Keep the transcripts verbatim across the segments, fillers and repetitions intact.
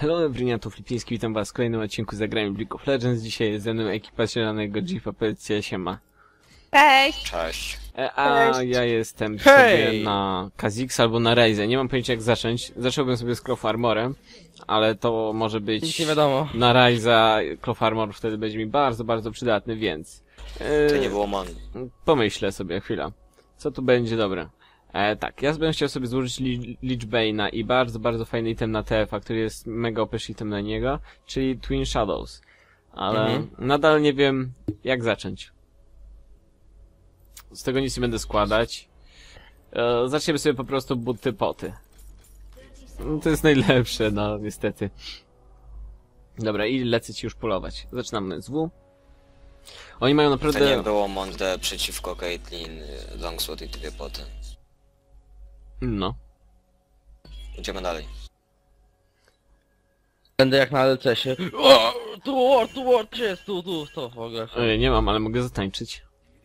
Hello, Bryniatu Flipiński, witam was w kolejnym odcinku Zagrajmy w League of Legends. Dzisiaj jest ze mną ekipa zielonego Jeepa, powiedzcie siema. Cześć! Cześć. E, a Cześć. ja jestem Hej. sobie na Kha'Zix albo na Ryze. Nie mam pojęcia jak zacząć. Zacząłbym sobie z Cloth Armorem, ale to może być Nic nie wiadomo. na Ryze'a. Cloth Armor wtedy będzie mi bardzo, bardzo przydatny, więc... E, To nie było man. Pomyślę sobie chwilę, co tu będzie dobre. E, tak, ja bym chciał sobie złożyć li Lich Bane'a i bardzo, bardzo fajny item na T F a, który jest mega O P item na niego, czyli Twin Shadows. Ale Mhm. nadal nie wiem, jak zacząć. Z tego nic nie będę składać. E, zaczniemy sobie po prostu buty poty. No, to jest najlepsze, no niestety. Dobra, i lecę ci już polować. Zaczynamy z W. Oni mają To naprawdę... nie było Monde przeciwko Caitlyn, Longsword i dwie poty. No. Idziemy dalej. Będę jak na L C sie. O, tu ward, tu ward, gdzie jest, tu, tu, to w ogóle. E, nie mam, ale mogę zatańczyć.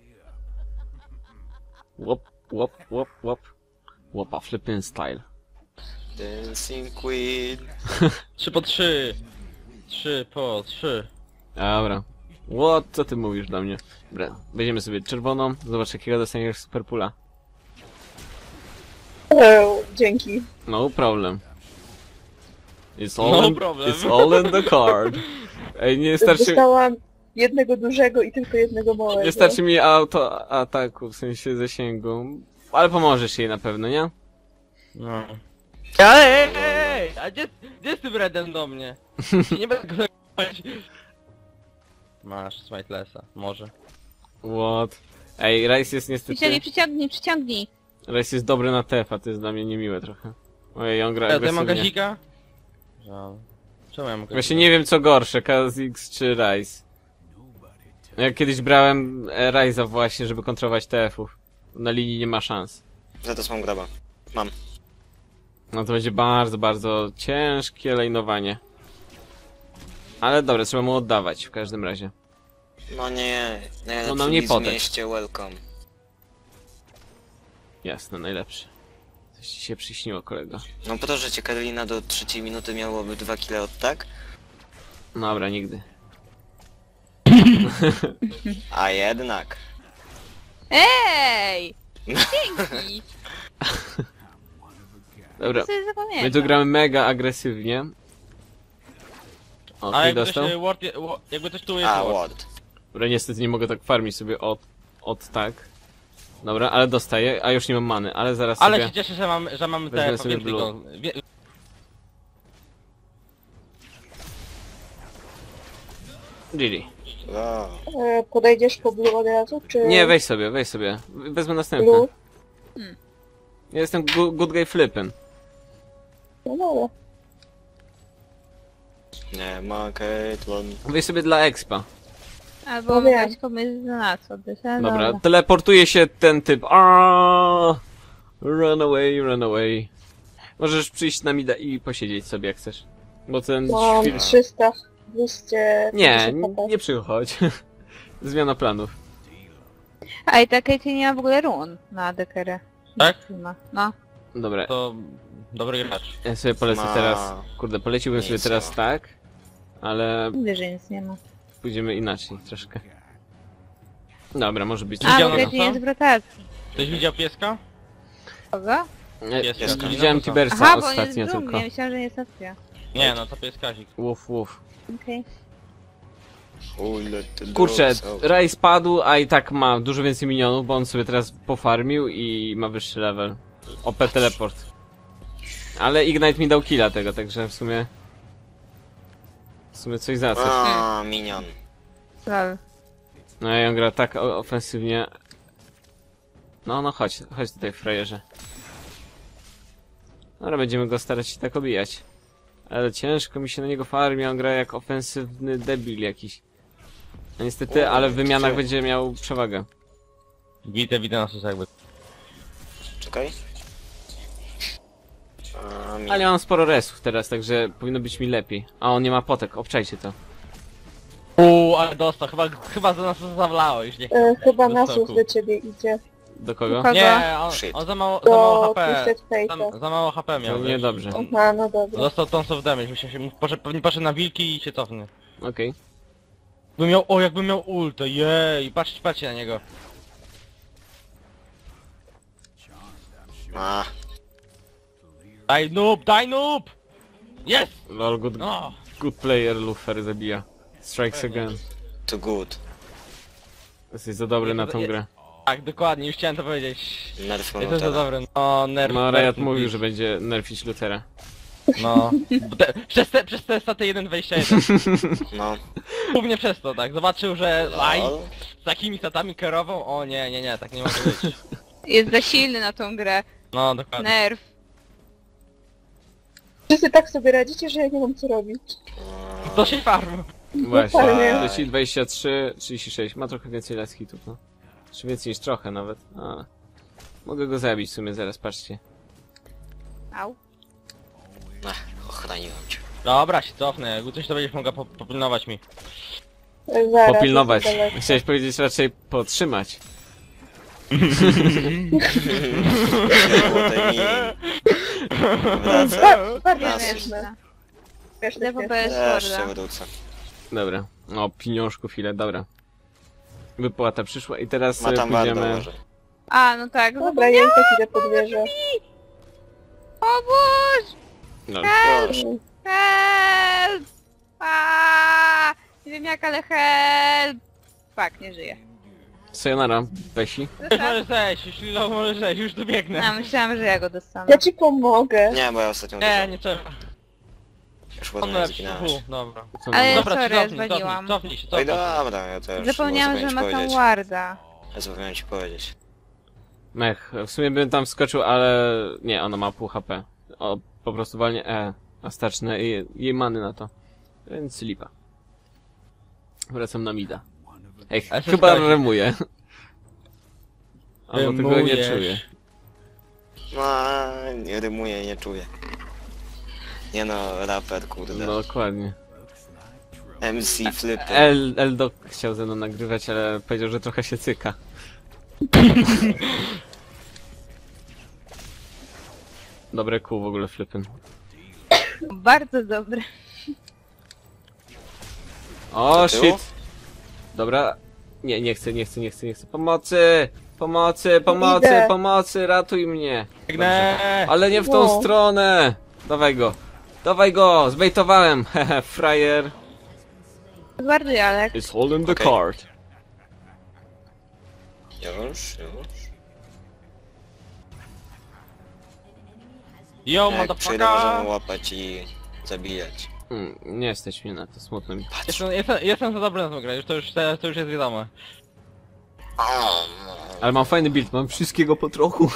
Łop, łop, łop, łop. Łopa, flipping style. Dancing Queen. Trzy po trzy. Trzy po trzy. Dobra. What? Co ty mówisz do mnie? Dobra, weźmiemy sobie czerwoną. Zobacz jakiego dostaniesz superpula. O, dzięki. No problem. It's all, No in, problem. it's all in the card. Ej, nie starczy... Dostałam jednego dużego i tylko jednego małego. Nie starczy mi auto ataku, w sensie zasięgu. Ale pomożesz jej na pewno, nie? No. Ej, ej, ej, a gdzie, gdzie jest tym redem do mnie? Nie będę go nagrywać. Masz Smitelessa, może. What? Ej, Rice jest niestety... Przyciągnij, przyciągnij, przyciągnij. Rice jest dobry na T F a, to jest dla mnie niemiłe trochę. Ojej, on gra Ja tutaj mam agresywnie. gazika? Żal. Czemu ja mam gazika? Właśnie nie wiem co gorsze, Kha'Zix czy Ryze. Ja kiedyś brałem e, Ryze'a właśnie, żeby kontrolować T F ów. Na linii nie ma szans. Za to mam graba. Mam. No to będzie bardzo, bardzo ciężkie lejnowanie. Ale dobra, trzeba mu oddawać w każdym razie. No nie. Najlepszy No, no nie widz w potek. mieście, welcome. Jasne, najlepszy. Coś ci się przyśniło, kolego. No po to, że cię Karolina do trzeciej minuty miałoby dwa kile od tak, Dobra, nigdy. a jednak. Ej! Dzięki! Dobra, Co zapomniałem? my tu gramy mega agresywnie. O, A ty jakby dostał? coś, e, ward, je- wa- jakby coś tu jest A, ward. ward. Dobra, niestety nie mogę tak farmić sobie od, od tak. Dobra, ale dostaję, a już nie mam many, ale zaraz Ale sobie... się cieszę, że mam, że mamy Wezmę te sobie więcej blue. go. Wie... Gili. Wow. E, podejdziesz po blue od razu, czy... Nie, weź sobie, weź sobie. Wezmę następny. Blue? Ja jestem gu good guy flippin'. No dobra. Nie ma Caitlyn. Weź sobie dla expa. Albo No mogłaś komuś z nas oddać, ale Dobra, dobra. teleportuje się ten typ. Aaaa! Run away, run away. Możesz przyjść na mida i posiedzieć sobie jak chcesz. Bo ten Mam świr... trzysta, dwieście... Nie, nie przychodź. Zmiana planów. A i ta Katie nie ma w ogóle run na dekerę. Tak? Nie ma. No. Dobra, To dobry gracz. ja sobie polecę Ma- teraz. Kurde, poleciłbym sobie Nic teraz ma. tak. Ale Mówię, że nic nie ma. pójdziemy inaczej troszkę. Dobra, może być. A, Widziano bo to, Katie co? jest w rotacji. Ktoś widział pieska? Kogo? E, Jest, jest. Widziałem No to co? Tibersa Aha, bo on jest ostatnio w dżungli, tylko. ja myślałam, że nie jest opcja. Nie, no to pies Kazik. Łuf, łuf. Okej. Uj, let the Kurczę, dogs out. Ray spadł, a i tak ma dużo więcej minionów, bo on sobie teraz pofarmił i ma wyższy level. O P teleport. Ale Ignite mi dał killa tego, także w sumie... W sumie coś za coś. A, minion. Lol. No i on gra tak o- ofensywnie. No, no chodź, chodź tutaj frajerze. Dobra, będziemy go starać się tak obijać. Ale ciężko mi się na niego farmi, on gra jak ofensywny debil jakiś. No niestety, O, ale w wymianach gdzie? będzie miał przewagę. Widzę, widzę nas jakby. Czekaj. A, minion. Ale ja mam sporo resów teraz, także powinno być mi lepiej. A on nie ma potek, obczajcie to. Uuu, ale dostał, chyba, chyba za nas zawlałeś, nie? E, chyba Do Nasus stoku. do ciebie idzie. Do kogo? Kogo? Nie, on, Shit. on za mało, za mało Do H P. Twisted Fate'a. Za, za mało H P miał. No wiesz. niedobrze. Aha, no dobra. Dostał tons of damage, myślę się, poszedł, pewnie poszedł na wilki i się cofnie. Okej. By miał, o jakby miał ultę, jej, patrzcie, patrzcie na niego. A, Daj noob, daj noob! Yes! Lol, good, No! good player, Lufer zabija. Strikes again. too good. Jesteś za dobry na tą grę. Tak, dokładnie, już chciałem to powiedzieć. Nerf Jestem za Monotera. dobry, no nerf. No, nerf, Riot mówił, nerf. że będzie nerfić Luthera. No. Te, przez te, przez te staty jeden dwadzieścia jeden. No. Głównie przez to, tak. Zobaczył, że aj, Lol. z takimi statami kierował, o nie, nie, nie, tak nie może być. Jest za silny na tą grę. No, dokładnie. Nerw. Wszyscy tak sobie radzicie, że ja nie mam co robić. To się farm. Właśnie. Dokładnie. Leci dwadzieścia trzy, trzydzieści sześć. Ma trochę więcej last hitów, no. Czy więcej niż trochę nawet. A. Mogę go zabić w sumie zaraz, patrzcie. Au. Ech, ochroniłem cię. Dobra, się cofnę, jakby coś to będziesz mogła po, popilnować mi. Zaraz, Popilnować. jestem daleko. Chciałeś powiedzieć raczej podtrzymać. Złote mi. Wraca. Ba- Bardzo Raz. śmieszne. Śmieszne, D W śmieszne. P S Też się Forda. wrócę. Dobra. O, pieniążków ile, dobra. Wypłata przyszła i teraz Ma e, tam warto pójdziemy... może. A, no tak. Dobra, ja i tak idę pod wieżę. Pomóż! No, Proszę. Help! Aaaa! Nie wiem jak, ale help! Fuck, nie żyję. sayonara, Besi. Już możesz zejść, już Lilo możesz zejść, już tu biegnę. A, myślałam, że ja go dostanę. Ja ci pomogę. Nie, bo ja ostatnio Nie, uderzyłem. nie trzeba. Już On potem nie lepszy. zginąłeś. U, dobra. Co Ale- nam- Dobra, sorry, ci cofnij, zwaliłam. cofnij, cofnij się, Oj, cofnij się. dobra, ja też. Zapomniałam, że zapomniałem ma ci tam powiedzieć. warda. Ja zapomniałem ci powiedzieć. Mech, w sumie bym tam wskoczył, ale... Nie, ona ma pół H P. O, po prostu walnie E. A starcznę jej, jej many na to. Więc lipa. Wracam na mida. Ej, Ale co chyba skałeś? remuję. Albo tego nie Rymujesz. czuję. No, nie rymuję, nie czuję. Nie no, raper, kurde. No dokładnie. M C Flipy. El, Eldok chciał ze mną nagrywać, ale powiedział, że trochę się cyka. Dobre kół w ogóle Flippin. Bardzo dobry. O, Do tyłu? shit! Dobra. Nie, nie chcę, nie chcę, nie chcę, nie chcę. Pomocy! Pomocy, pomocy, Idę. pomocy, ratuj mnie! Biegnę! Ale nie w tą No. stronę! Dawaj go! Dawaj go! Zbejtowałem! Hehe, frajer! Zwarduj, Alek. It's holding the Okej. card. Już, już. Yo, Jak przyjdę, możemy motherfucker! łapać i zabijać. Mm, nie stać mnie na to, smutno mi. Jestem, jestem, jestem za dobry na tą grę, już to już, to już jest wiadomo. Ale mam fajny build, mam wszystkiego po trochu.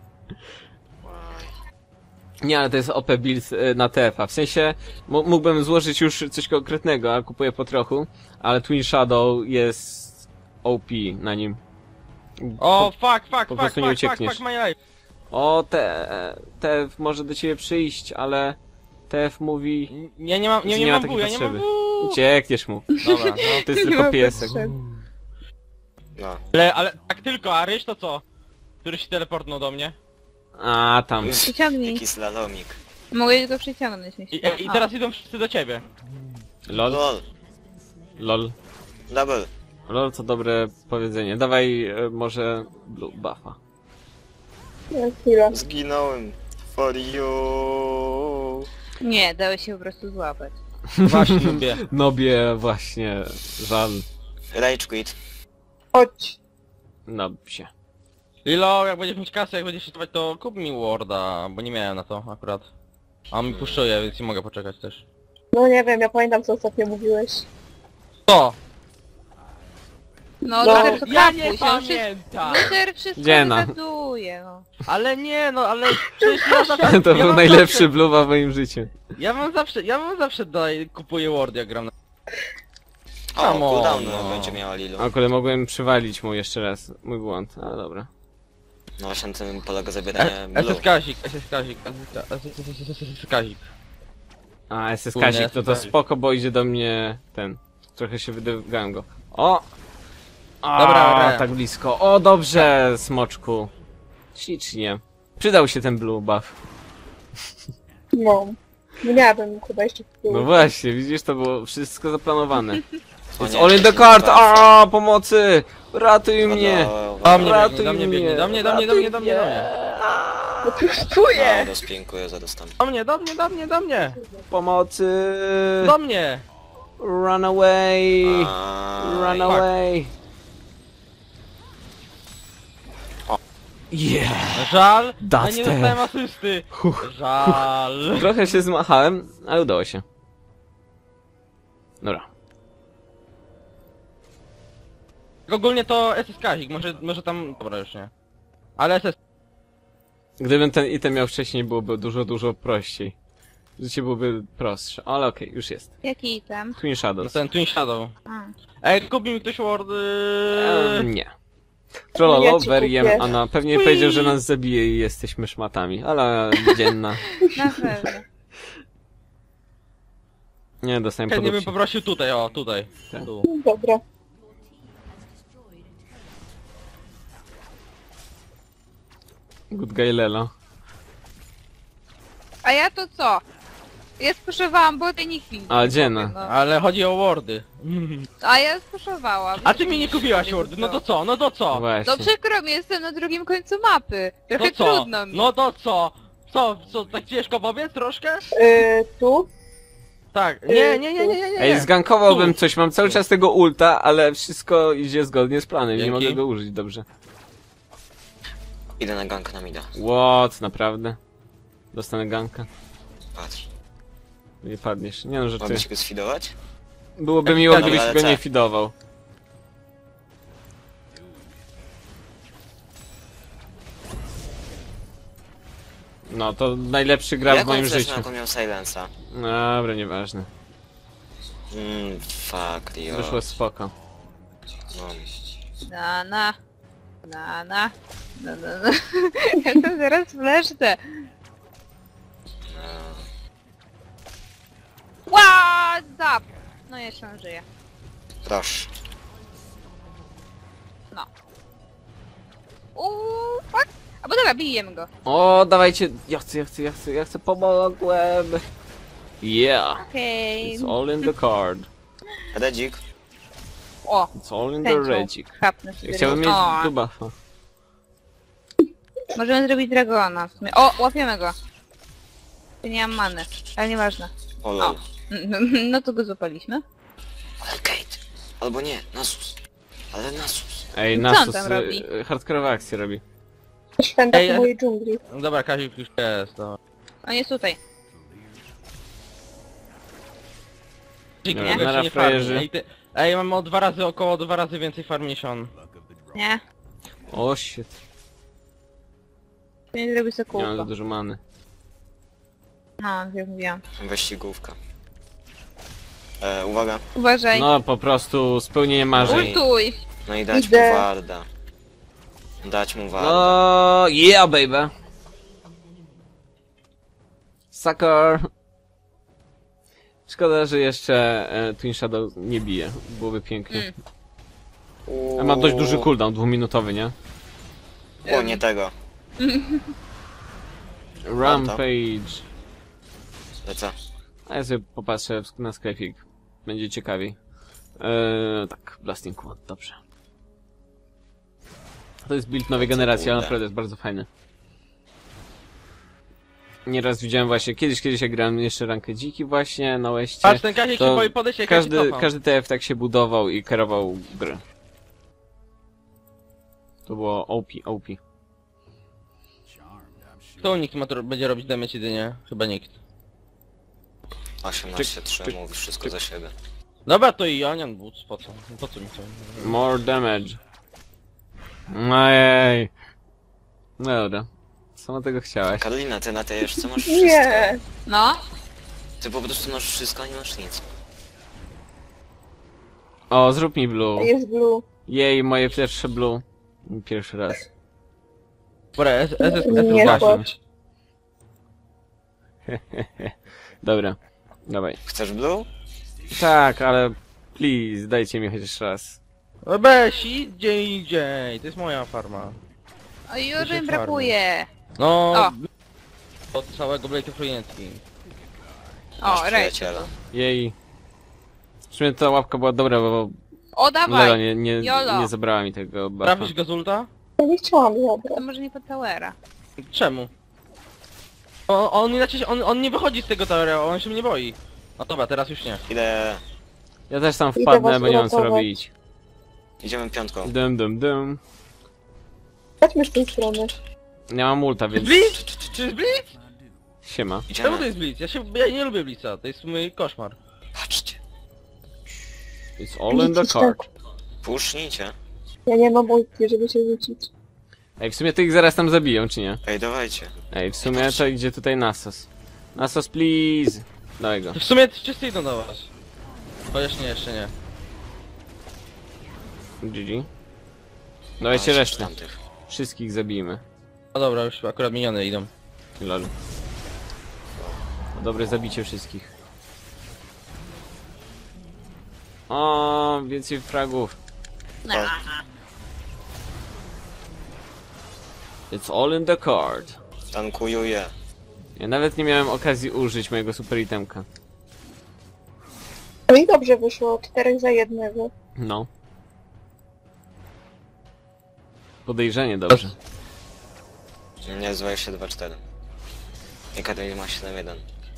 Nie, ale to jest O P build y, na T F A. W sensie, mógłbym złożyć już coś konkretnego, a kupuję po trochu. Ale Twin Shadow jest O P na nim. O, fuck, fuck, po fuck, prostu nie fuck, fuck, uciekniesz. fuck my life. O, te, T F może do ciebie przyjść, ale T F mówi... Nie, nie mam, nie, że nie nie ma mam takiej bu, ja nie mam potrzeby. bu. Uciekniesz mu. Dobra, no. To jest Nie tylko ma piesek. potrzeby. No. Ale, ale tak tylko, a Ryś to co? Który się teleportnął do mnie? A, tam. Przyciągnij. Jaki slalomik. Mogę go przyciągnąć, myślę. I, i teraz idą wszyscy do ciebie. Lol, Lol. lol. Double. Lol, to dobre powiedzenie. Dawaj e, może blue buffa. Ja, chwila. Zginąłem. For you. Nie, dało się po prostu złapać. Właśnie lubię. Nobie, właśnie, żal. Rage quit. Chodź. No się. Lilo, jak będziesz mieć kasę, jak będziesz sztować, to kup mi Warda, bo nie miałem na to akurat. A on mi puszczuje, więc nie mogę poczekać też. No nie wiem, ja pamiętam co ostatnio mówiłeś. Co? No, No, Luther to Ja nie kapuś, on wszystko... pamiętam! Luther wszystko Dziena. wygaduje, no. Ale nie, no ale przecież ja zawsze... To ja był mam najlepszy Zawsze, bluwa w moim życiu. ja mam zawsze, ja mam zawsze daj, kupuję Ward jak gram na... O, Come on, cooldown no. będzie miała Lilu. A ale mogłem przywalić mu jeszcze raz. Mój błąd, ale dobra. No właśnie na tym polega zabieranie S blue. S Kazik, S S Kazik, S S Kazik. A, S S Kurde, Kazik, to to super. spoko, bo idzie do mnie ten. Trochę się wydygałem go. O! A, Dobra, tak blisko. O, dobrze, smoczku. Ślicznie. Przydał się ten blue buff. No. Nie miałabym chyba jeszcze tyłu. No właśnie, widzisz, to było wszystko zaplanowane. O It's nie, all in the nie card! buffa. A, pomocy! Ratuj mnie! Dobra, Do mnie Ratuj biegnie, do mnie biegnie, do mnie, do mnie, do mnie, do mnie, do mnie. No tu czuję! no, rozpiękuję, zaraz tam. Do mnie, do mnie, do mnie, do mnie! Pomocy! Do mnie! Run away! A, Run fuck. away! O. Yeah! Żal, That's ale nie the- dostałem asysty. Huch. Żal. Trochę się zmachałem, ale udało się. Dobra. Ogólnie to S S Kazik, może, może tam... Dobra, już nie. Ale S S... Gdybym ten item miał wcześniej, byłoby dużo, dużo prościej. Życie byłoby prostsze, ale okej, już jest. Jaki item? Twin No Shadows. ten Twin Shadow. A. Ej, kupi mi ktoś wardy. Ehm, nie. Trollolo, Ja ci Veriem, kupię. Anna pewnie Ui. powiedział, że nas zabije i jesteśmy szmatami, ale dzienna. Na pewno. Nie, dostałem Chętnie bym podupcie. poprosił tutaj, o, tutaj. Tak. Tu. Dobra. Good guy Lelo. A ja to co? Ja spuszowałam, bo ty nikt mi nie A, dzienna. powie, no. Ale chodzi o wardy. A ja spuszowałam. A ty mi nie kupiłaś wardy, no to co, no to co? Właśnie. No przykro mi, jestem na drugim końcu mapy. Trochę No co? trudno mi. No to co? Co, co, tak ciężko powiedz troszkę? Yy, tu? Tak, nie, nie, nie, nie, nie, nie. Ej, zgankowałbym Tu. coś, mam cały czas tego ulta, ale wszystko idzie zgodnie z planem, nie Dzięki. mogę go użyć dobrze. Idę na gank na mida. What, naprawdę? Dostanę ganka? Patrz. Nie padniesz. Nie no, że ty. Mogę ci go sfidować? Byłoby Jak miło, zgadza, gdybyś ale go co? nie fidował. No, to najlepszy gra w Jak moim on życiu. zresztą jaką miał silensa? Dobra, nieważne. Mmm, fuck, Rio. Wyszło spoko. No. Na na. Na na. Na na na. Ja to zaraz fleszczę. What up? No jeszcze on żyje. Proszę. No. Uuu, fuck. A bo dobra, bijemy go. O, dawajcie. Ja chcę, ja chcę, ja chcę, ja chcę, pomogłem. Yeah. Okej. It's all in the card. Redzik. O, It's all in the tęczą. redzik. Chapnę sobie. Ja chciałbym mieć O, tu buffa. możemy zrobić dragona. w sumie. O, łapiemy go. Nie mam many, ale nieważne. O lol. No to go złapaliśmy. Ale Kate. Albo nie, Nasus. Ale Nasus. Ej, Co on Nasus tam robi? y, hardkorowe akcje robi. Święta Ej, w ale- mojej dżungli. No dobra, Kazik już jest, no. On jest tutaj. Kazik, Dobra, mogę nara ci nie farmić. frajerzy. Ej, ty... Ej, mam o dwa razy, około dwa razy więcej farm niż on. Nie? O, shit. Nie zrobię sobie Nie mam za kółko. dużo many. No, jak mówiłam. Wyścigówka. E, uwaga. Uważaj. No, po prostu spełnienie marzeń. Ultuj! No i dać Idę. mu warda. Dać mu warda. No, yeah, baby. Sucker. Szkoda, że jeszcze e, Twin Shadow nie bije. Byłoby pięknie. Mm. Uuu. A ma dość duży cooldown, dwuminutowy, nie? O, nie tego. Rampage. Lecę. A ja sobie popatrzę w- na sklepik. Będzie ciekawiej. Eee, tak, Blasting Quad, dobrze. To jest build nowej generacji, ale kurde. naprawdę jest bardzo fajny. Nieraz widziałem właśnie, kiedyś, kiedyś jak grałem jeszcze rankę dziki właśnie na Westie. Patrz, ten Kazik to się boi podejść, jak Kazik Każdy, cofa. każdy T F tak się budował i kierował grę. To było O P, O P. Kto nikt ma, to będzie robić damage jedynie? Chyba nikt. osiemnaście trzy, Czyk, mówi wszystko czyk. za siebie. Dobra, to i Onion Boots, po co? Po co mi to? More damage. Ojej. No dobra. Sama tego chciałaś. Karolina, ty na tej jeszcze masz wszystko. Nie. No. Ty po prostu masz wszystko, a nie masz nic. O, zrób mi blue. Jest blue. Jej, moje pierwsze blue. Pierwszy raz. Dobra, S S S Nie S płacz. Dobra. Dawaj. Chcesz blue? Tak, ale please, dajcie mi chociaż raz. Weź, idź gdzie indziej, to jest moja farma. O, już Duże mi brakuje. No... O. Od całego Blade of Orientki. O, Masz rej. przyjaciela. Jej. W sumie ta łapka była dobra, bo O, Lela dawaj! nie, nie, Jolo. nie zabrała mi tego buffa. Trafisz go z ulta? Ja nie chciałam zabrać. To może nie pod towera. Czemu? O, on inaczej, on, on nie wychodzi z tego towera, on się mnie boi. No dobra, teraz już nie. Idę... Ja też tam Idę wpadnę, was bo nie mam co uratować. robić. Idziemy piątką. Dum dum dum. Chodźmy z tej strony. Nie mam ulta, Czy jest więc Blitz? Czy jest Blitz? siema. Czemu to Idziemy. jest Blitz? Ja się, ja nie lubię Blitza, to jest mój koszmar. Patrzcie. It's all in the card. Pusznijcie. Ja nie mam ulti, żeby się rzucić. Ej, w sumie to ich zaraz tam zabiją, czy nie? Ej, dawajcie. Ej, w sumie to idzie tutaj Nasos. Nasos, please! Daj go. To w sumie wszyscy idą do was. Chociaż nie, jeszcze nie. G G. Dawajcie Patrz, resztę. tamtych. Wszystkich zabijmy. No dobra, już akurat miniony idą. Lol. Dobre zabicie wszystkich. O, więcej fragów. It's all in the card. Tankuję. Ja nawet nie miałem okazji użyć mojego super itemka. No i dobrze wyszło, czterech za jednego. No. Podejrzenie dobrze. Nie, zwaje się dwa cztery. I Katarina ma siedem jeden.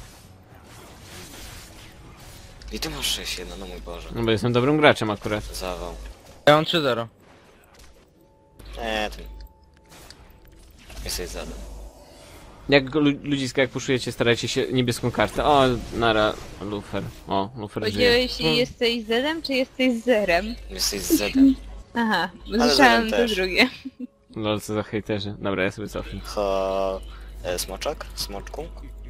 I ty masz sześć jeden, no mój Boże. No bo jestem dobrym graczem akurat. Zawał. Ja mam trzy zero. Nie, ty. Jesteś zadem. Jak lu- ludziska, jak puszujecie, starajcie się niebieską kartę. O, nara, Lufer. O, Lufer żyje. Powiedziałeś, jesteś zedem, czy jesteś zerem? Jesteś zedem. Aha, bo Ale słyszałam zerem to też. drugie. Lol, co za hejterzy. Dobra, ja sobie cofnę. Ho... E, smoczek? Smoczku?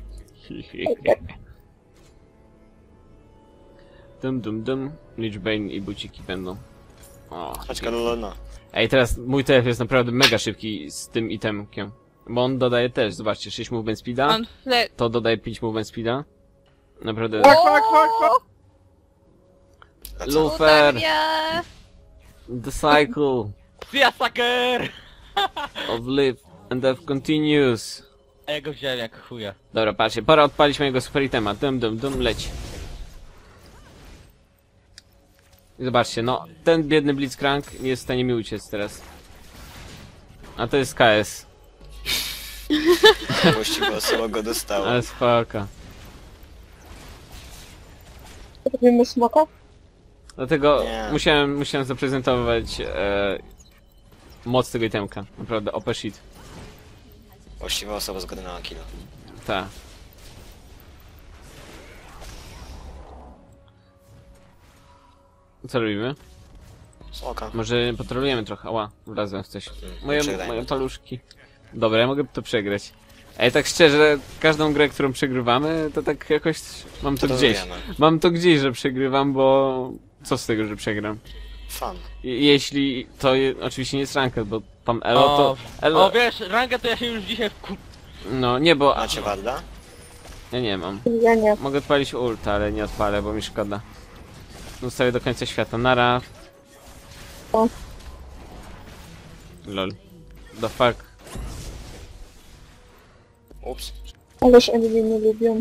Dum dum dum. Lichbane i buciki będą. O, Chodź Karolina. ej, teraz mój T F jest naprawdę mega szybki z tym itemkiem. Bo on dodaje też, zobaczcie, sześć movement speeda. On fle... To dodaje pięć movement speeda. Naprawdę. Fuck, fuck, fuck, fuck! A co? Lufer! Utaria! The cycle See ya, sucker! of live and death continues. A ja go wziąłem jak chuja. Dobra, patrzcie, pora odpalić mojego super itema. Dum dum dum, leci. I zobaczcie, no, ten biedny Blitzcrank nie jest w stanie mi uciec teraz. A to jest K S. Właściwie osoba go dostała. Ale spoko. Robimy smoka? Dlatego Nie. musiałem, musiałem zaprezentować e, moc tego itemka. Naprawdę, O P shit. Właściwa osoba zgodna na killa. Ta. Co robimy? Smoka. Może potrolujemy trochę. Ała, wlazłem w coś. Moje, przegrajmy moje to. paluszki. Dobra, ja mogę to przegrać. Ej, tak szczerze, każdą grę, którą przegrywamy, to tak jakoś mam to To gdzieś. wiemy. Mam to gdzieś, że przegrywam, bo co z tego, że przegram? Fan. I, jeśli to je, oczywiście nie jest ranked, bo tam Elo O, to... Elo, O wiesz, rangę to ja się już dzisiaj wku... no nie, bo... Macie Warda? Ja nie mam. Ja nie. Mogę odpalić ulta, ale nie odpalę, bo mi szkoda. Ustawię do końca świata. Nara. O. Lol. The fuck. Ups. Ależ oni mnie nie lubią.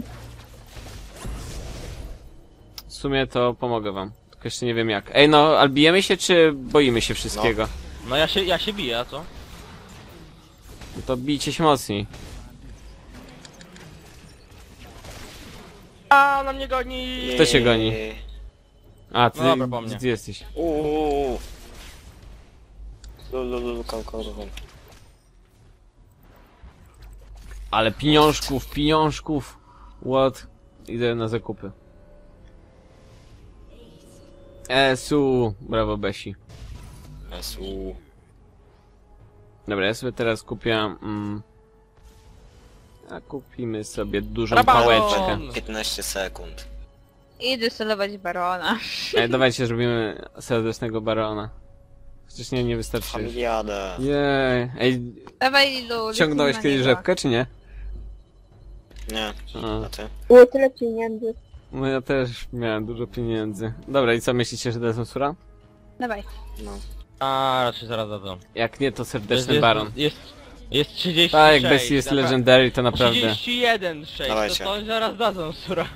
W sumie to pomogę wam. Tylko jeszcze nie wiem jak. Ej no, ale bijemy się czy boimy się wszystkiego? No ja się, ja się biję, a co? No to bijcie się mocniej. A na mnie goni! Kto cię goni? A, ty, No dobra, po mnie. ty jesteś. Uuuu. Lululu, kalkorową. Ale pieniążków, pieniążków. What? Idę na zakupy. Esu, brawo Besi. Esu. Dobra, ja sobie teraz kupię... Mm, a kupimy sobie dużą Rabaton! pałeczkę. piętnaście sekund. Idę solować barona. Ej, dawajcie, zrobimy serdecznego barona. Chociaż nie, nie wystarczy. Familiadę. Jej. Ej, Dawaj Lilu. ciągnąłeś lecimy na kiedyś niego. rzepkę, czy nie? Nie. A, A ty? Było tyle pieniędzy. no ja też miałem dużo pieniędzy. Dobra, i co myślicie, że dadzą sura? Dawaj. No. A raczej zaraz dadzą. Jak nie, to Jest, serdeczny jest, baron. jest, jest trzydzieści sześć. Tak, jak Bessie jest napra- legendary, to naprawdę... trzydzieści jeden sześć, to, Dawajcie. to oni zaraz dadzą, sura.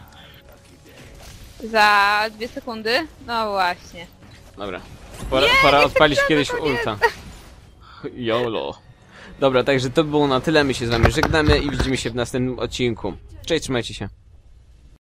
Za dwie sekundy? No właśnie. Dobra. Pora, pora odpalić kiedyś ulta. YOLO. Dobra, także to było na tyle. My się z wami żegnamy i widzimy się w następnym odcinku. Cześć, trzymajcie się.